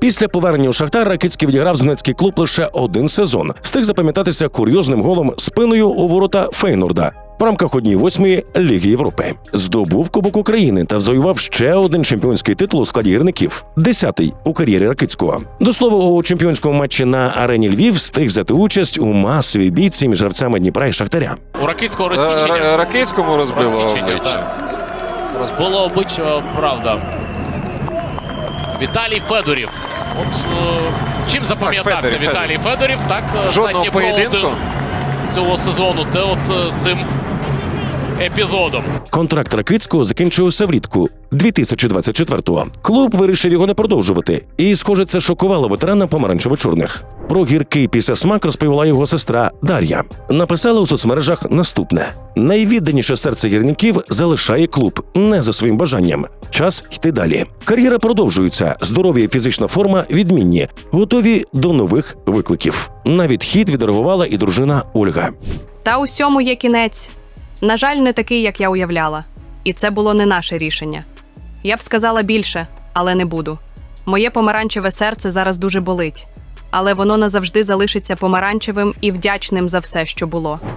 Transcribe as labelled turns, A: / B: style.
A: Після повернення у Шахтар Ракицький відіграв з Донецький клуб лише один сезон. Встиг запам'ятатися курйозним голом спиною у ворота Фейнорда в рамках 1/8 Ліги Європи. Здобув Кубок України та завоював ще один чемпіонський титул у складі гірників – 10-й у кар'єрі Ракицького. До слова, у чемпіонському матчі на арені Львів встиг взяти участь у масовій бійці між гравцями Дніпра і Шахтаря.
B: У Ракицького розсічення.
C: Ракицькому розбило обличчя.
B: Розбило обличчя, правда. Віталій Федорів. От чим запам'ятався Віталій Федорів, так,
C: жодного поєдинку
B: цього сезону, те от цим епізодом.
A: Контракт Ракицького закінчився влітку 2024-го. Клуб вирішив його не продовжувати. І, схоже, це шокувало ветерана помаранчево-чорних. Про гіркий післясмак розповіла його сестра Дар'я. Написала у соцмережах наступне. Найвідданіше серце гірників залишає клуб не за своїм бажанням. Час йти далі. Кар'єра продовжується, здоров'я і фізична форма відмінні, готові до нових викликів. На відхід відреагувала і дружина Ольга.
D: Та усьому є кінець. На жаль, не такий, як я уявляла. І це було не наше рішення. Я б сказала більше, але не буду. Моє помаранчеве серце зараз дуже болить. Але воно назавжди залишиться помаранчевим і вдячним за все, що було.